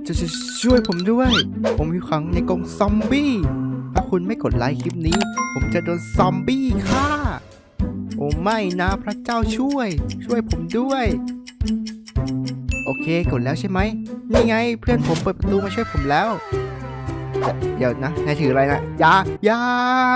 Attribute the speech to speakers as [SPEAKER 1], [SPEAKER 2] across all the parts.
[SPEAKER 1] จะช่วยผมด้วยผมอยู่ขังในกรงซอมบี้ถ้าคุณไม่กดไลค์คลิปนี้ผมจะโดนซอมบี้ฆ่าโอ้ไม่นะพระเจ้าช่วยผมด้วยโอเคกดแล้วใช่ไหมนี่ไงเพื่อนผมเปิดประตูมาช่วยผมแล้วเดี๋ยวนะนายถืออะไรนะยา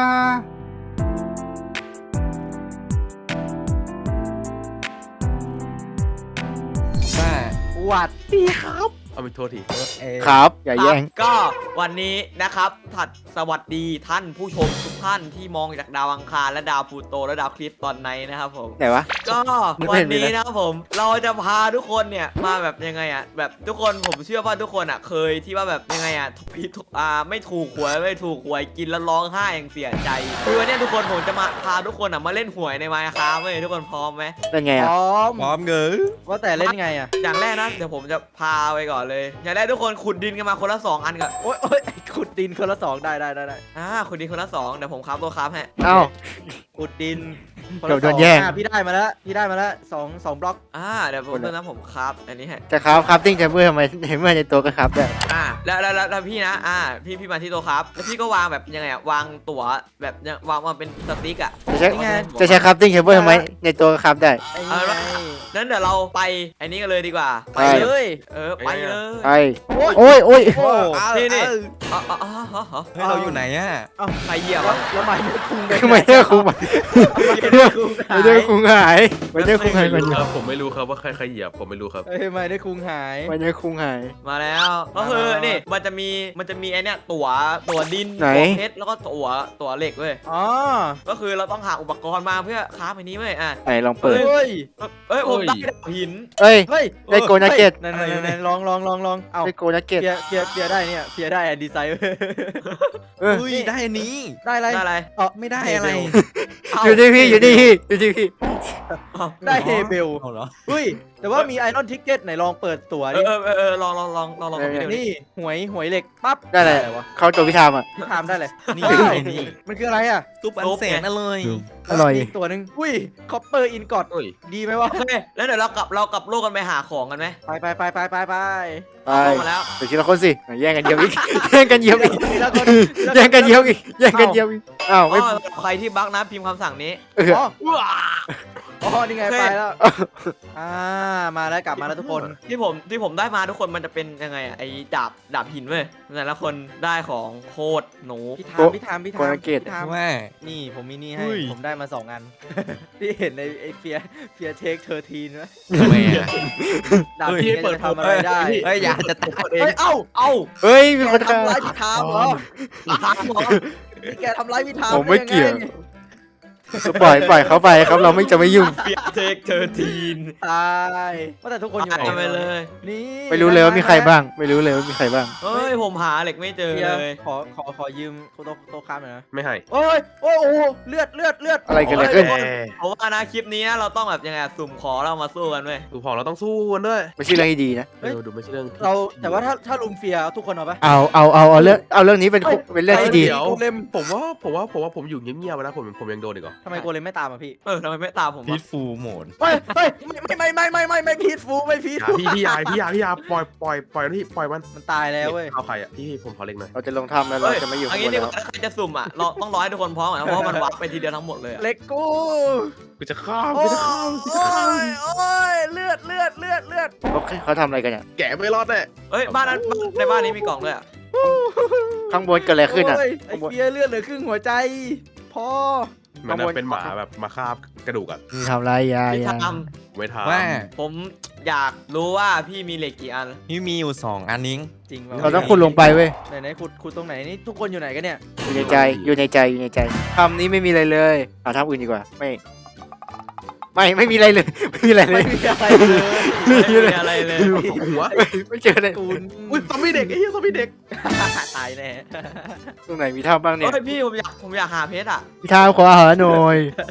[SPEAKER 2] สวัสดีครับ
[SPEAKER 3] เอาไปโทษที
[SPEAKER 1] ครับอย่าแย่ง
[SPEAKER 2] ก็วันนี้นะครับสวัสดีท่านผู้ชมทุกท่านที่มองจากดาวอังคารและดาวพลูโตและดาวคริสต์ตอนไหนนะครับผม
[SPEAKER 1] ไหนวะ
[SPEAKER 2] ก็วันนี้นะครับผมเราจะพาทุกคนเนี่ยมาแบบยังไงอ่ะแบบทุกคนผมเชื่อว่าทุกคนอ่ะเคยที่ว่าแบบยังไงอ่ะไม่ถูกหวยกินแล้วร้องไห้อย่างเสียใจคือวันนี้ทุกคนผมจะมาพาทุกคนอ่ะมาเล่นหวยในMinecraftเว้ยทุกคนพร้อมไหม
[SPEAKER 1] เป็นไง
[SPEAKER 4] พ
[SPEAKER 1] อ่ะ
[SPEAKER 4] ร้อม
[SPEAKER 3] พร้อมเงย
[SPEAKER 4] ว่าแต่เล่นไงอ่ะ
[SPEAKER 2] อย่างแรกนะเดี๋ยวผมจะพาไปก่อนเลยอย่างแรกทุกคนขุดดินกันมาคนละ2 อันก่อน
[SPEAKER 4] โอ๊ยขุดดินคนละ2ได้
[SPEAKER 2] ขุดดินคนละ2เดี๋ยวผมคราฟตัวคราฟให้
[SPEAKER 1] เอ้า
[SPEAKER 4] ขุดดินคน
[SPEAKER 1] เดี๋
[SPEAKER 4] ละ
[SPEAKER 1] ยวโดนแย่ง
[SPEAKER 4] พี่ได้มาแล้วสองบล็อก
[SPEAKER 2] เดี๋ยวผมผมคราฟอันนี้ให้
[SPEAKER 1] จะครับติ้งจะเพื่อทำไมเมื่อในตัวก็ครับได้
[SPEAKER 2] แล้วพี่นะพี่มาที่ตัวครับแล้วพี่ก็วางแบบยังไงวางตั๋วแบบวางมาเป็นสติ๊ก
[SPEAKER 1] จะใช้ครับติ้งเทเบิลทำไมในตัวก็ครับได้
[SPEAKER 4] ไอ้นี่ไง
[SPEAKER 2] นั้นเดี๋ยวเราไปอันนี้กันเลยดีกว่า
[SPEAKER 1] ไป
[SPEAKER 4] เลย
[SPEAKER 2] ไปเลย
[SPEAKER 1] ไปโอ้ย
[SPEAKER 4] โอ้
[SPEAKER 2] นี่
[SPEAKER 3] เฮ้ยเราอยู่ไหนอ่ะ
[SPEAKER 2] ใครเหยียบ
[SPEAKER 4] แล้วไม้เนื้อคุง
[SPEAKER 1] คือไม่ได้คุงไม่ได้คุงหายไม่ได้คุงหาย
[SPEAKER 3] ไม่รู้ครับผมไม่รู้ครับว่าใครเหยียบผมไม่รู้ครับ
[SPEAKER 4] ไม้เนื้อคุงหาย
[SPEAKER 1] ไม่ได้คุงหาย
[SPEAKER 2] มาแล้วก็คือนี่มันจะมีไอเนี้ยตั๋วดิน
[SPEAKER 1] ไหน
[SPEAKER 2] ตั๋วเพชรแล้วก็ตั๋วเหล็กเว้ย
[SPEAKER 4] อ๋อ
[SPEAKER 2] ก็คือเราต้องหาอุปกรณ์มาเพื่อคราฟอันนี้เว้ย
[SPEAKER 1] ไหนลองเปิด
[SPEAKER 4] เฮ้ย
[SPEAKER 2] ผมได้หิน
[SPEAKER 1] เอ้ย
[SPEAKER 4] เฮ้ย
[SPEAKER 1] ได้โกนักเก็ต
[SPEAKER 4] นั่นลองเอา
[SPEAKER 1] ได้โกนักเก็ต
[SPEAKER 4] เฟียได้เนี่ยเฟียได้ดีไซน์
[SPEAKER 3] อุ้ยได้อันนี้
[SPEAKER 4] ได้อะไร
[SPEAKER 2] ได้อะไร
[SPEAKER 3] ไม่ได้อะไร
[SPEAKER 1] อยู่ที่พี่อยู่ที่พี่
[SPEAKER 4] ได้เฮเบล
[SPEAKER 3] เอาเหรอ
[SPEAKER 4] อุ้ยแต่ว่ามีไอรอนทิกเก็ตไหนลองเปิดตั๋วดิ
[SPEAKER 2] ลองผมไปดูนี่
[SPEAKER 4] นี่หวยเหล็กปั๊บ
[SPEAKER 1] ได้เลย
[SPEAKER 4] วะ
[SPEAKER 1] เขาตัวพี่ทามอ่ะ
[SPEAKER 4] พี่ทามได้เลย
[SPEAKER 3] นี่
[SPEAKER 4] ว้าว
[SPEAKER 3] นี่
[SPEAKER 4] มันคืออะไรอ่ะ
[SPEAKER 3] ซุปอันแสนอร่อย
[SPEAKER 1] อร่อย
[SPEAKER 4] กตัวหนึ่งอุ้ยคอปเปอร์อินกอด
[SPEAKER 3] โอ้ย
[SPEAKER 4] ดีไหมวะ
[SPEAKER 2] โอเคแล้วเดี๋ยวเรากลับโลกกันไปหาของกันไหม
[SPEAKER 4] ไป
[SPEAKER 1] ไป
[SPEAKER 2] ลงมาแล้ว
[SPEAKER 1] เดี๋ยวทีละคนสิแย่งกันเยียวอีกแย่งกันเยียวอีก
[SPEAKER 4] ทีละคน
[SPEAKER 1] แย่งกันเยียวอีกแย่งกันเยียวอีกอ้าวไม่
[SPEAKER 2] ใครที่บั๊กนะพิมพ์คำสั่งนี้
[SPEAKER 4] อ๋อนี่ไงไปแล้วมาแล้วกลับมาแล้วทุกคน
[SPEAKER 2] ที่ผมได้มาทุกคนมันจะเป็นยังไงไอ้ดาบหินเว้ยแต่ละคนได้ของโคตรหนู
[SPEAKER 4] พี่ทาม
[SPEAKER 3] ว่า
[SPEAKER 4] นี่ผมมีนี่ให้ผมได้มา2 อันที่เห็นในไอเฟียเทค13ไหม
[SPEAKER 3] ทำไมอ่ะ
[SPEAKER 4] ดาบหินจะทำอะไรได้
[SPEAKER 3] เฮ้ยอย่าจะตาย
[SPEAKER 4] เฮ้ยเอ้า
[SPEAKER 1] เฮ้ยมีคน
[SPEAKER 4] ทำร้ายพี่ทามเหรอ
[SPEAKER 2] ทำหรอ
[SPEAKER 4] นี่แกทำร้ายพี่ทาม
[SPEAKER 1] ผมไม่เกี่ยวปล่อยเขาไปครับเราไม่จะไม่ยุ่ง
[SPEAKER 2] เปียเทค13
[SPEAKER 4] ตายว่าแต่ทุกคนอยู่ไหน
[SPEAKER 2] ไปเลย
[SPEAKER 4] นี่
[SPEAKER 1] ไม่รู้เลยว่ามีใครบ้างไม่รู้เลยว่ามีใครบ้าง
[SPEAKER 2] เฮ้ยผมหาเหล็กไม่เจอ
[SPEAKER 4] เฟีย
[SPEAKER 2] เลย
[SPEAKER 4] ขอยืมโต๊ะค้ามหน่อยนะ
[SPEAKER 3] ไม่ให้
[SPEAKER 4] โอ้ยโอ้โหเลือด
[SPEAKER 1] อะไรกันเลยขึ้น
[SPEAKER 2] ผมว่านะคลิปนี้เราต้องแบบยังไงสุ่มขอเรามาสู้กันเว้ย
[SPEAKER 3] ดูพอเราต้องสู้กันด้วย
[SPEAKER 1] ไม่ใช่เรื่องที่ดีนะ
[SPEAKER 3] ดูไม่ใช่เรื่อง
[SPEAKER 4] เราแต่ว่าถ้าลุมเฟียทุกคนเอาปะ
[SPEAKER 1] เอาเรื่องนี้เป็นเรื่องที่ดี
[SPEAKER 3] เดี๋ยวผมว่าผมอยู่เงียบๆนะผมยังโดนอีกเหรอ
[SPEAKER 4] ทำไมโกเลมไม่ตามอ่ะพี่
[SPEAKER 2] ทำไมไม่ตามผม
[SPEAKER 3] พีทฟูโหมด
[SPEAKER 4] ไม่พีทฟูไม่พีทฟู
[SPEAKER 3] พี่ยาปล่อยนี่ปล่อยมัน
[SPEAKER 4] มันตายแล้วเว้ย
[SPEAKER 3] เอาใครอ่ะพี่ผมขอเล็กหน่อย
[SPEAKER 1] เราจะลงทำแล้วเราจะไม่อยู่
[SPEAKER 2] อั
[SPEAKER 1] ข้าน งบ
[SPEAKER 2] นี้
[SPEAKER 1] น
[SPEAKER 2] นี่
[SPEAKER 1] แล้ว
[SPEAKER 2] ใครจะสุ่มเราต้องรอให้ทุกคนพร้อมก่อนนะเพราะว่ามันวัดไปทีเดียวทั้งหมดเลย
[SPEAKER 4] เล็กกู
[SPEAKER 3] กูจะข้าม
[SPEAKER 4] โอ้ยเลือด
[SPEAKER 1] เขาทำอะไรกันเนี่ย
[SPEAKER 3] แกะไม่รอดแน่
[SPEAKER 2] เฮ้ยบ้านนั้นในบ้านนี้มีกล่องด้วย
[SPEAKER 1] ข้างบนเกิดอะไรขึ้นอ่ะ
[SPEAKER 4] ไอเฟียเลือดเหลือครึ่งหัวใจพอ
[SPEAKER 3] มันเป็นหมาแบบมาคาบกระดูกอ่ะ
[SPEAKER 1] ทำไรยา
[SPEAKER 2] พี่ท
[SPEAKER 3] ไม่ท
[SPEAKER 2] ำผมอยากรู้ว่าพี่มีเหล็กกี่อัน
[SPEAKER 3] พี่มีอยู่2 อันนิ้ง
[SPEAKER 4] จริง
[SPEAKER 1] เราต้องขุดลงไปเว้ย
[SPEAKER 4] ไหนขุดตรงไหนนี่ทุกคนอยู่ไหนกันเนี่ย
[SPEAKER 1] อยู่ในใจทำนี้ไม่มีอะไรเลยเอาทำอื่นดีกว่าไม่มีอะไรเลยไม่มีอะไรเล
[SPEAKER 4] ไม่
[SPEAKER 1] ย
[SPEAKER 4] มีอะไรเลย
[SPEAKER 2] ไม่มีอะไรเลย
[SPEAKER 3] หัว
[SPEAKER 1] ไม่เจอเลย
[SPEAKER 4] ตูน
[SPEAKER 3] อุ้ยซอมบี้เด็กไอ้เหี้ยซอมบี้เด็ก
[SPEAKER 4] ตายแน่
[SPEAKER 1] ตรงไหนมีท่าบ้างเนี่ย
[SPEAKER 2] เฮ้ยพี่ผมอยากหาเพชรอ่ะ
[SPEAKER 1] พี่ท้าขออาหารหน่อย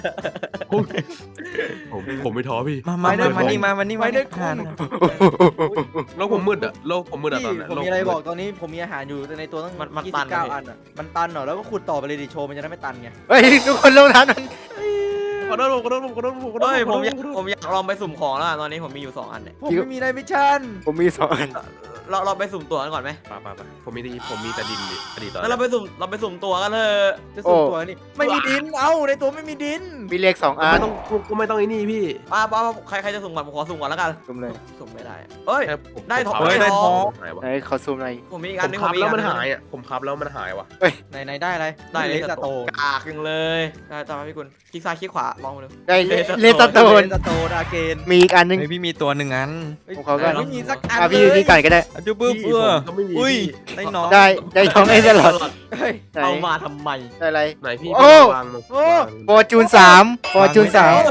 [SPEAKER 3] ผมไม่ท้อพี่
[SPEAKER 4] มานี่ไม่ได้คุณ
[SPEAKER 3] โลกผมมืดอ่ะโลกผมมืดอ่ะตอน
[SPEAKER 4] พี่
[SPEAKER 3] นี้
[SPEAKER 4] ผมมีอะไรบอกตอนนี้ผมมีอาหารอยู่ในตัวตั้ง29 อันอ่ะมันตันเหรอแล้วก็ขุดต่อไปเลยดิโชว์มันจะได้ไม่ตันไง
[SPEAKER 1] เฮ้ยทุกคนลงทานนั้น
[SPEAKER 3] ขอโทษผม
[SPEAKER 2] เฮ้ยผมอยากลองไปสุ่มของแล้วอะตอนนี้ผมมีอยู่2 อันเนี่ย
[SPEAKER 4] ผมไม่มีในมิชชั่น
[SPEAKER 1] ผมมี2 อัน
[SPEAKER 2] เราไปสุ่มตัวกันก่อนไหม
[SPEAKER 3] ไปผมมีแต่ดินดิอดีตตอน
[SPEAKER 2] แล้วเราไปสุ่มตัวกันเถอะ
[SPEAKER 4] จะสุ่มตัวนี่ไม่มีดินเอ้าในตัวไม่มีดิน
[SPEAKER 1] มีเลข2 อัน
[SPEAKER 3] ไม่ต้องไอ้นี่พี่
[SPEAKER 2] ป้าใครจะสุ่มก่อนผมขอสุ่มก่อนแล้วกัน
[SPEAKER 1] ซุ่มเลย
[SPEAKER 2] สุ่มไม่ได้เอ้ย
[SPEAKER 3] แค่ผม
[SPEAKER 2] ได้ทอง
[SPEAKER 3] ผม
[SPEAKER 2] ได้ทอง
[SPEAKER 3] หายวะ
[SPEAKER 1] ไหนขอซูมหน่อย
[SPEAKER 2] ผมมีอีก
[SPEAKER 3] ผ
[SPEAKER 2] อัน
[SPEAKER 3] ม
[SPEAKER 2] นึง
[SPEAKER 3] คับ
[SPEAKER 2] มีอี
[SPEAKER 3] แล้
[SPEAKER 2] ก
[SPEAKER 3] ว
[SPEAKER 2] อั
[SPEAKER 3] มัน
[SPEAKER 2] นึง
[SPEAKER 3] หายอ่ะผมคับแล้วมันหายวะ
[SPEAKER 4] ไหนได้อะไร
[SPEAKER 2] ได้เล
[SPEAKER 4] เล
[SPEAKER 2] ส
[SPEAKER 4] สโต
[SPEAKER 2] กากยังเลยได้ต่อไปพี่กุลคลิกซ้ายคลิกขวามองมาดู
[SPEAKER 1] ได้เล
[SPEAKER 2] เล
[SPEAKER 1] ส
[SPEAKER 2] ส
[SPEAKER 1] โตน
[SPEAKER 4] เลสโตดาเกน
[SPEAKER 1] มีอีกอันนึง
[SPEAKER 5] เฮ้ยพี่มีตัวหนึ่งอัน
[SPEAKER 1] ของเขาก็
[SPEAKER 4] ไม่มีสักอัน
[SPEAKER 1] พี่อยู่นี่ก่อนก็ได้
[SPEAKER 5] อะจุ๊บปึ๊บ
[SPEAKER 3] พี่
[SPEAKER 5] เออ
[SPEAKER 3] ผมก็ไม่มี
[SPEAKER 5] อุ้ย
[SPEAKER 3] พี่
[SPEAKER 5] ได้น้อง
[SPEAKER 1] ได้ท้องไอ้สล็อต
[SPEAKER 4] เฮ้ย
[SPEAKER 1] ไหน
[SPEAKER 2] เอามาทำไม
[SPEAKER 1] ได้อะไร
[SPEAKER 3] ไหนพี่
[SPEAKER 1] โอ้
[SPEAKER 3] วางลง
[SPEAKER 4] โอ้
[SPEAKER 1] ฟอร์จูน3ฟอร์จูน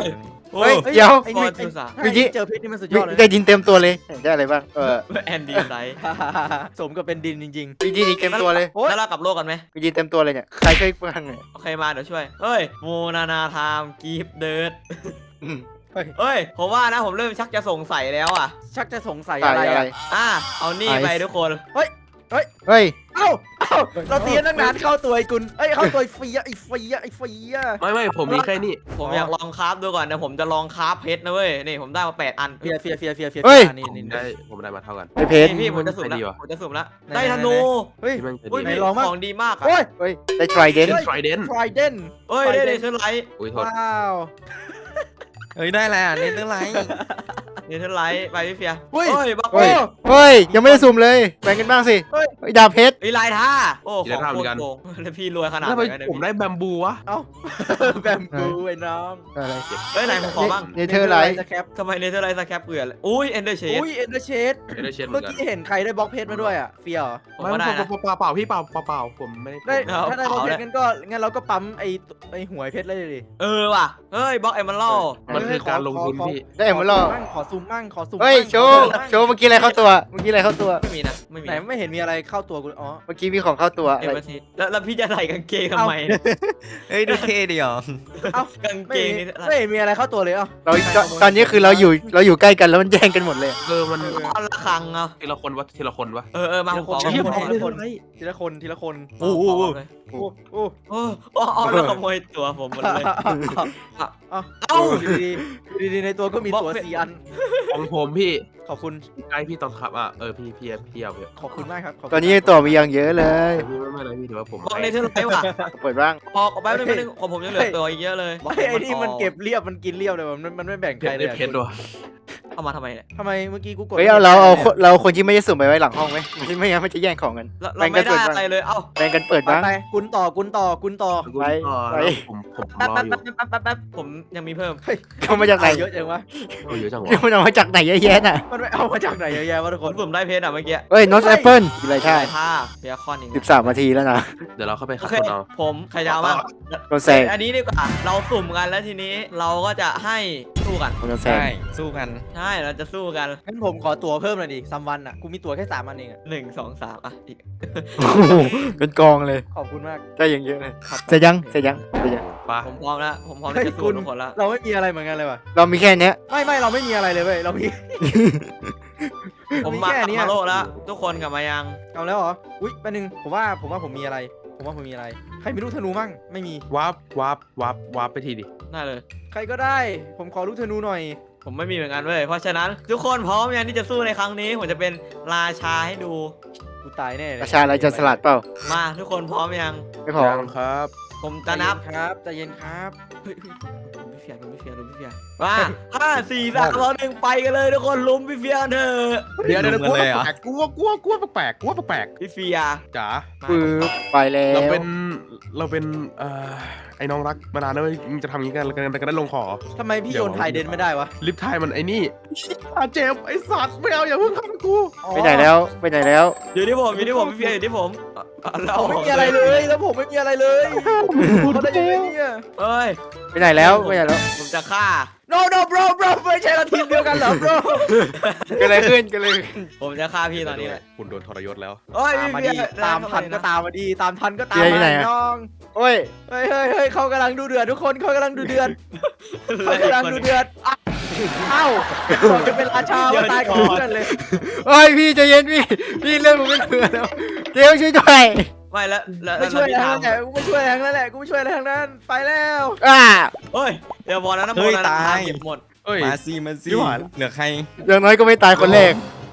[SPEAKER 1] 3
[SPEAKER 2] โอ้
[SPEAKER 1] เฮ้
[SPEAKER 2] ย
[SPEAKER 1] ยเดี๋ยว
[SPEAKER 4] ไอ้
[SPEAKER 2] ฟอ
[SPEAKER 4] นี่
[SPEAKER 2] ร์จูนสาม
[SPEAKER 1] เมื่อกี้
[SPEAKER 4] เจอเพชรนี่มันสุดยอดเลย
[SPEAKER 1] ได้ดินเต็มตัวเลยได้อะไรบ้าง
[SPEAKER 2] แอนดี้ไซส์
[SPEAKER 4] สมกับเป็นดินจริง
[SPEAKER 1] มีดินอีกเต็มตัวเลย
[SPEAKER 4] ๆโอ้ย
[SPEAKER 2] แล้วเรากลับโลกกันไหม
[SPEAKER 1] มีดินเต็มตัวเลยเนี่ยใครช่วยบ้างเนี่ย
[SPEAKER 2] โอเคมาเดี๋ยวช่วยเฮ้ยโมนาไทม์กีฟเดิร์ด
[SPEAKER 1] อืม
[SPEAKER 2] เฮ้ยผมว่านะผมเริ่มชักจะสงสัยแล้วอ่ะ
[SPEAKER 4] ชักจะสงสัย
[SPEAKER 1] ตา
[SPEAKER 4] อะ
[SPEAKER 1] ย
[SPEAKER 4] ไร
[SPEAKER 1] อะไร
[SPEAKER 4] อ่ะ
[SPEAKER 2] เอานี่ไปทุกคน
[SPEAKER 1] เฮ้ย
[SPEAKER 4] เอ้าเราเตียนตั้งนานเข้าตัวไอ้กุลเอ้ยเข้าตัวไอ้เฟียไอ้เฟีย
[SPEAKER 3] ไม่ผมมีแค่นี้
[SPEAKER 2] ผมอยากลองคราฟดูก่อนนะผมจะลองคราฟเพชรนะเว้ยนี่ผมได้มา8 อัน
[SPEAKER 4] เฟียนี่
[SPEAKER 3] ผมได้มาเท่ากัน
[SPEAKER 1] ไอเพชร
[SPEAKER 2] นี่พี่ผมจะสุ่มแล้ว
[SPEAKER 3] ใช่ดีว่ะ
[SPEAKER 2] ผมจะสุ่มแล้วได้ธนู
[SPEAKER 4] เฮ้ย
[SPEAKER 3] ที่มันจะ
[SPEAKER 2] อุ้ย
[SPEAKER 3] ดี
[SPEAKER 4] ไหน
[SPEAKER 2] พี่
[SPEAKER 4] ลองมั่ง
[SPEAKER 2] ของดีมากอะ
[SPEAKER 4] โอ้ย
[SPEAKER 1] เฮ้ยได้ทริเดน
[SPEAKER 3] เป็นไทรเดน
[SPEAKER 4] ทรายเดน
[SPEAKER 2] เฮ้ยได้เลยเทอร์ไลท์
[SPEAKER 3] อุ้ยโทษ
[SPEAKER 4] ว้าว
[SPEAKER 5] เฮ้ยได้แล้วเนเธอร์ไลท์
[SPEAKER 2] เนเธอร์ไลท์ไปพี่เฟีย
[SPEAKER 4] เฮ้ย
[SPEAKER 2] เฮ้ยบัก
[SPEAKER 1] เฮ้
[SPEAKER 2] เฮ้
[SPEAKER 1] ย
[SPEAKER 2] ย
[SPEAKER 1] เฮ้ยยังไม่ได้สุ่มเลยแบ่งกันบ้างสิ
[SPEAKER 4] เฮ้ย
[SPEAKER 1] เฮ้ยดาบเพชร
[SPEAKER 2] ไอ้ลายท่าโอ้ของโคตรโกงแล้วพี่รวยขนาด
[SPEAKER 3] ทำ
[SPEAKER 2] ไห
[SPEAKER 3] ไม
[SPEAKER 2] นกันเนี่ย
[SPEAKER 3] ผมได้แบมบูวะ
[SPEAKER 4] เอ้าแบมบูไอ้น้อง
[SPEAKER 1] อะไร
[SPEAKER 2] เฮ้ยไหนผมขอบ้าง
[SPEAKER 1] เนเธอร์ไลท์
[SPEAKER 4] สแคป
[SPEAKER 2] ทำไมเนเธอร์ไลท์สแคปเกลือเลยอุ้ยเอนเดอร์เชด
[SPEAKER 4] อุ้ยเอ็นเดอร์เชด
[SPEAKER 3] ไม่ได้เช็ดเหมื
[SPEAKER 4] เมื่
[SPEAKER 3] อ
[SPEAKER 4] อน
[SPEAKER 3] กัน
[SPEAKER 4] กี้เห็นใครได้บล็อกเพชรมาด้วยอ่ะเฟียเหรอ
[SPEAKER 2] ผม
[SPEAKER 3] ไม่
[SPEAKER 2] ก็ได้นะ
[SPEAKER 3] เปล่าพี่เปล่าผมไม่ได้
[SPEAKER 4] ได้ถ้าได้บล็อกเพชรงั้นเราก็ปั๊มไอ้หวยเพชรเลยดิ
[SPEAKER 2] เออว่ะเฮ้ยบล็อกเอมเมอรัล
[SPEAKER 3] มันคือการลงทุนพี่
[SPEAKER 1] ได้เอ็มเบอร์ล่อ
[SPEAKER 4] ขอซูมมั่งขอซูม
[SPEAKER 1] เฮ้ยโชว์เมื่อกี้อะไรเข้าตัวเมื่อกี้อะไรเข้าตัว
[SPEAKER 2] ไม่มีนะไม่มี
[SPEAKER 4] ไหนไม่เห็นมีอะไรเข้าตัวกูอ๋อ
[SPEAKER 1] เมื่อกี้มีของเข้าตัว
[SPEAKER 2] เอ
[SPEAKER 1] อะ
[SPEAKER 2] ม
[SPEAKER 1] ไร
[SPEAKER 2] เบอร์ทีแล้วพี่จะใส่กางเกงทำไม
[SPEAKER 5] เฮ้ยดูเท่ดีอ่ะ
[SPEAKER 4] เอ้าก
[SPEAKER 2] าง
[SPEAKER 4] ไม่
[SPEAKER 2] เกง
[SPEAKER 4] เห็
[SPEAKER 2] นี่
[SPEAKER 4] นไม่เห็นมีอะไรเข้าตัวเลยเอ้า
[SPEAKER 1] เราตอนนี้คือเราอยู่ใกล้กันแล้วมันแย่งกันหมดเลย
[SPEAKER 3] มัน
[SPEAKER 2] อันละครังเอา
[SPEAKER 3] ทีละคนวะ
[SPEAKER 2] เออมาผมขอ
[SPEAKER 3] เชี่ย
[SPEAKER 4] ทีละคนทีละคน
[SPEAKER 5] โอ้โห
[SPEAKER 4] โอ้โอ้
[SPEAKER 2] โอ้แล้วขโมยตัวผมหมดเลย เอ้า
[SPEAKER 4] ดีในตัวก็มีตัว4 อัน
[SPEAKER 3] ของผมพี่
[SPEAKER 4] ขอบคุณ
[SPEAKER 3] ใกล้พี่ตอนขับพี่เอาเถอะ
[SPEAKER 4] ขอบคุณมากครับ
[SPEAKER 1] ตอนนี้ตัวมีอย่างเยอะเลย
[SPEAKER 3] พี่ไม่เลยพี่ถือว่าผม
[SPEAKER 2] บล็อกเนเธอร์ไลท์ว่ะ
[SPEAKER 1] เปิดบ้าง
[SPEAKER 2] พอแป๊บนึงของผมยังเหลือตัวอีกเยอะเลย
[SPEAKER 4] ไอ้นี่มันเก็บเรียบมันกินเรียบเลยมันไม่แบ่ง
[SPEAKER 3] เพ
[SPEAKER 4] ใคร
[SPEAKER 3] ชร
[SPEAKER 4] เลย
[SPEAKER 3] ได้เพชรด้วย
[SPEAKER 2] เอามาทำไมเนี่ย
[SPEAKER 4] ทำไมเมื่อกี้กูกด
[SPEAKER 1] เฮ้ยเราคนที่ไม่ได้สุ่มไปไว้หลังห้องไหมไม่งั้นมันจะแย่งของกัน
[SPEAKER 2] เราไม่ได้อะไรเลยเอ้า
[SPEAKER 1] แบ่งกันเปิดบ้าง
[SPEAKER 4] ไปกุนต่อ
[SPEAKER 1] ไป
[SPEAKER 3] ผมรออยู่
[SPEAKER 2] แป๊บผมยังมีเพิ่ม
[SPEAKER 1] เอามาจากไหน
[SPEAKER 4] เยอะจังวะ
[SPEAKER 3] เยอะจังวะ
[SPEAKER 1] มันเอามาจากไหนเยอะแยะน่ะ
[SPEAKER 4] มันไปเอามาจากไหนเยอะแยะวะทุก
[SPEAKER 2] ผ
[SPEAKER 4] ค
[SPEAKER 2] ม
[SPEAKER 4] น
[SPEAKER 2] สุ่มได้เพชรอ่ะเมื่อกี้
[SPEAKER 1] เฮ้ยนอตแอปเปิลกินอะไรใช่
[SPEAKER 2] ใช่ท่าเบียคอนอีก
[SPEAKER 1] 13 นาทีแล้วนะ
[SPEAKER 3] เดี๋ยวเราเข้าไป
[SPEAKER 2] โอ
[SPEAKER 3] ขับ
[SPEAKER 2] เค
[SPEAKER 3] คนเอา
[SPEAKER 2] ผมใครจะเอาบ้าง
[SPEAKER 1] โดนแซง
[SPEAKER 2] อันนี้ดีกว่าเราสุ่มกันแล้วทีนี้เราก็จะให้สู้กัน
[SPEAKER 1] โดนแซง
[SPEAKER 5] ใช่สู้กัน
[SPEAKER 2] ใช่เราจะสู้กัน
[SPEAKER 4] งั้นผมขอตัวเพิ่มหน่อยดิซัมวันอ่ะกูมีตัวแค่3 อันเองอะ
[SPEAKER 2] 1 2 3อ่ะอีก
[SPEAKER 1] โอ้โหเป็นกองเลย
[SPEAKER 4] ขอบคุณมาก
[SPEAKER 1] ได้อย่างเยอะเลยเสร็จยัง
[SPEAKER 3] ปะ
[SPEAKER 2] ผมพร้อมแล้วผมพร้อมที่จะสู้ทุกคนแล้ว
[SPEAKER 4] เราไม่มีอะไรเหมือนกันเลยว่ะ
[SPEAKER 1] เรามีแค่เนี้ย
[SPEAKER 4] ไม่เราไม่มีอะไรเลยเว้ยเรามี
[SPEAKER 2] ผมมา
[SPEAKER 4] แค่เนี้ย
[SPEAKER 2] มาโลแล้ว ทุกคนกลับมายัง
[SPEAKER 4] เอาแล้วเหรออุ้ยแป๊บนึงผมว่าผมมีอะไรใครมีลูกธนูมั่งไม่มี
[SPEAKER 3] วาร์ปไปทีดิ
[SPEAKER 2] ได้เลย
[SPEAKER 4] ใครก็ได้ ผมขอลูกธนูหน่อย
[SPEAKER 2] ผมไม่มีเหมือนกันเว้ยเพราะฉะนั้นทุกคนพร้อมยังที่จะสู้ในครั้งนี้ผมจะเป็นราชาให้ดู
[SPEAKER 4] กูตายแน่เลย
[SPEAKER 1] ประชาอะไรจะสลัดเปล่า
[SPEAKER 2] มาทุกคนพร้อมยัง
[SPEAKER 1] ไม่พอ
[SPEAKER 3] ยังครับ
[SPEAKER 2] ผมจะนับ
[SPEAKER 4] ครับใจเย็นครับ
[SPEAKER 2] เฮ้ยลุมพี่เฟียมา5 4 3 2 1ไปกันเลยทุกคนลุมพี่เฟียกันเถอะ
[SPEAKER 3] เดี๋ยว
[SPEAKER 5] ลุมกันเลยเหรอ
[SPEAKER 3] กลัวแปลก
[SPEAKER 2] พี่เฟีย
[SPEAKER 3] จ๋า
[SPEAKER 2] มา
[SPEAKER 1] ปึ๊บไปแล้ว
[SPEAKER 3] เราเป็นไอ้น้องรักมานานแล้วมึงจะทำอย่างนี้กันกันได้ลงคอ
[SPEAKER 4] ทำไมพี่โยนไทยเดนไม่ได้วะ
[SPEAKER 3] ลิฟไทยมันไอ้นี่เจ็บไอ้สัตว์ไม่เอาอย่าเพิ่งฆ่ากู
[SPEAKER 1] ไปไหนแล้ว
[SPEAKER 2] อยู่ที่ผมพี่เฟียอยู่ที่ผมแล้ว
[SPEAKER 4] ผมไม่มีอะไรเลยแล้วผมไม่มีอะไรเลยเขาได้ยังไงเนี่ย
[SPEAKER 2] เอ้ย
[SPEAKER 1] ไปไหนแล้ว
[SPEAKER 2] ผมจะฆ่า
[SPEAKER 4] no bro ไม่ใช่เราทีมเดียวกันเหรอ bro
[SPEAKER 1] เกิดอะไรขึ้น
[SPEAKER 2] ผมจะฆ่าพี่ตอนนี้เลย
[SPEAKER 3] คุณโดนทรยศแล้ว
[SPEAKER 2] เอ้ย
[SPEAKER 4] ตามมา
[SPEAKER 2] พี่
[SPEAKER 4] ดี
[SPEAKER 2] เฟีย
[SPEAKER 4] ตามทันก็ตามมาดีตามทันก็ตาม
[SPEAKER 1] เฟียอยู่ไหน
[SPEAKER 4] มา
[SPEAKER 1] อะ
[SPEAKER 4] น้อง
[SPEAKER 1] โอ้ย
[SPEAKER 4] เฮ้ยเขากำลังดูเดือดทุกคนเขากำลังดูเดือดเขากำลังดูเดือดเอ้าบอกจะเป็นราชาว่าตายก่อนเลย
[SPEAKER 1] โอ้ยพี่ใจเย็นพี่เรื่องผมไม่เผื่อแล้วเดี๋ยวช่วยด้วย
[SPEAKER 2] ไม่แล้ว
[SPEAKER 4] ไม่ช่วย
[SPEAKER 2] พี่
[SPEAKER 4] ทาง
[SPEAKER 2] ถาม
[SPEAKER 4] นั้นแหละกูไม่ช่วยทางนั้นแหละกูไม่ช่วยอะไรทางนั้นไปแล้ว
[SPEAKER 2] เฮ้ยเดี๋ยวพอแล้วนะ
[SPEAKER 5] เฮ้ย
[SPEAKER 2] โมนะ
[SPEAKER 5] ตาย
[SPEAKER 2] เก็บหมด
[SPEAKER 3] เอ้ย
[SPEAKER 5] มาซี
[SPEAKER 3] พี่หวาน
[SPEAKER 5] เหลือใคร
[SPEAKER 1] อย่างน้อยก็ไม่ตายคนแรก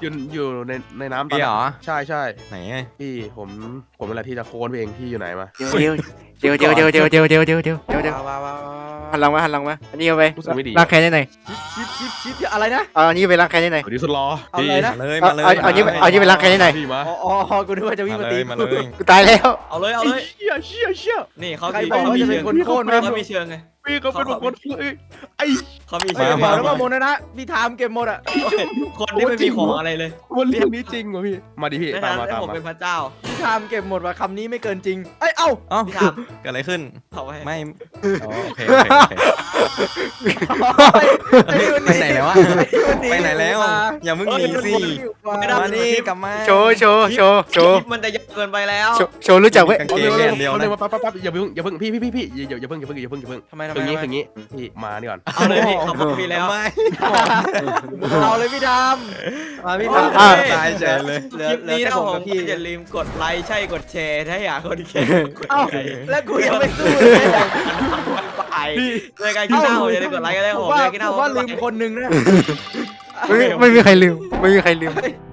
[SPEAKER 3] อยู่ในน้ำตอน
[SPEAKER 5] พี่เหรอ
[SPEAKER 3] ใช่ใช่
[SPEAKER 5] ไหน
[SPEAKER 3] พี่ผมเป็นอะไรที่จะโค้นเองพี่อยู่ไหนมา
[SPEAKER 1] เดี๋ยวหันหลังมาอันนี้เอาไป
[SPEAKER 3] รู้สึกไม่ดี
[SPEAKER 1] ล้างแค้นได้ไหน
[SPEAKER 4] ชิปอะไรนะ
[SPEAKER 1] เอาอันนี้ไปล้างแค้นได้ไหน
[SPEAKER 3] สวัสดีสุดรอ
[SPEAKER 4] เอา
[SPEAKER 3] พี่
[SPEAKER 4] เลยนะ
[SPEAKER 5] มาเลย
[SPEAKER 1] เอา
[SPEAKER 5] มาเลย
[SPEAKER 1] เอานี่ไปล้างแค้นได้ไหน
[SPEAKER 3] พี่มา
[SPEAKER 4] อ๋อกูนึกว่าจะวิ่ง
[SPEAKER 5] มา
[SPEAKER 4] มา
[SPEAKER 5] เล
[SPEAKER 4] ตี
[SPEAKER 5] ยมาเลย
[SPEAKER 1] กูตายแล้ว
[SPEAKER 2] เอาเลยเอา
[SPEAKER 3] ไอ้
[SPEAKER 2] เลย
[SPEAKER 3] เชี่ย
[SPEAKER 2] นี่เขา
[SPEAKER 4] ใคร
[SPEAKER 2] มี
[SPEAKER 4] บอก
[SPEAKER 2] เขา
[SPEAKER 4] ว่า
[SPEAKER 2] มี
[SPEAKER 4] จะเป็
[SPEAKER 2] เชิ
[SPEAKER 4] น
[SPEAKER 2] ง
[SPEAKER 4] คนโค่นไหม
[SPEAKER 2] เขามีเชิงไง
[SPEAKER 3] พี่เขาเป็นคนไอ้
[SPEAKER 2] เขามี
[SPEAKER 4] เฮ้
[SPEAKER 2] เชิ
[SPEAKER 4] ย
[SPEAKER 2] ง
[SPEAKER 4] บอกแล้วว่าโมนะพี่ทามเก็บหมดอ่ะ
[SPEAKER 2] คนที่ไม่มีของอะไรเลย
[SPEAKER 3] วันเรื่องนี้จริงวะพี่มาดิพี่
[SPEAKER 2] ใน
[SPEAKER 3] ตา
[SPEAKER 2] ฐาม นะ
[SPEAKER 3] มา
[SPEAKER 2] ที่
[SPEAKER 3] ตาม
[SPEAKER 2] ผม
[SPEAKER 3] มา
[SPEAKER 2] เป็นพระเจ้า
[SPEAKER 4] พี่ทามเก็บหมดว่ะคำนี้ไม่เกินจริงเอ้ยเอ้า
[SPEAKER 5] เอ้า
[SPEAKER 2] พี่ถาม
[SPEAKER 5] เกิดอะไรขึ้น
[SPEAKER 2] เขาไว้
[SPEAKER 5] ไม่อ๋อโอเค ไปไหนแล้ววะไปไหนแล้ว อย่ามึงหนีสิ
[SPEAKER 2] ไม่ได้
[SPEAKER 5] มานี่กลับมา
[SPEAKER 1] โชว์
[SPEAKER 2] คลิปมันจะยาวเกินไปแล้ว
[SPEAKER 1] โชว์รู้จักเว้ย
[SPEAKER 5] กางเกงเนี่ยเดียว
[SPEAKER 3] เอาเล
[SPEAKER 5] นะ
[SPEAKER 3] ยมาปั๊บอย่าเพิ่งพี่อย่าเพิ่ง
[SPEAKER 4] ทำไม
[SPEAKER 3] คืองี้พี่มานี่ก่อน
[SPEAKER 2] เอาเลยพี่เขาบอกพี่แล้ว
[SPEAKER 5] ไม่
[SPEAKER 4] เอาเลยพี่ทามมาพี่ทาม
[SPEAKER 1] อ่ะ
[SPEAKER 5] ตายเฉยเลย
[SPEAKER 2] คลิปนี้นะ
[SPEAKER 4] ผม
[SPEAKER 2] ผม
[SPEAKER 4] กับพี่
[SPEAKER 2] อย่าลืมกดไลค์ใช่กดแชร์ถ้าอยากคนแชร์กด
[SPEAKER 4] เอ้า
[SPEAKER 2] ไลค์
[SPEAKER 4] แล้วกูยังไม่สู้เลย
[SPEAKER 2] ไปในการกินหน้าผมอย่าลืมกดไลค์กันเลยผม
[SPEAKER 4] ว่า
[SPEAKER 2] อยากกินหน้าผม
[SPEAKER 4] ว่าลืมคนหนึ่งนะ
[SPEAKER 1] ไม่มีใครลืม
[SPEAKER 4] เฮ้ย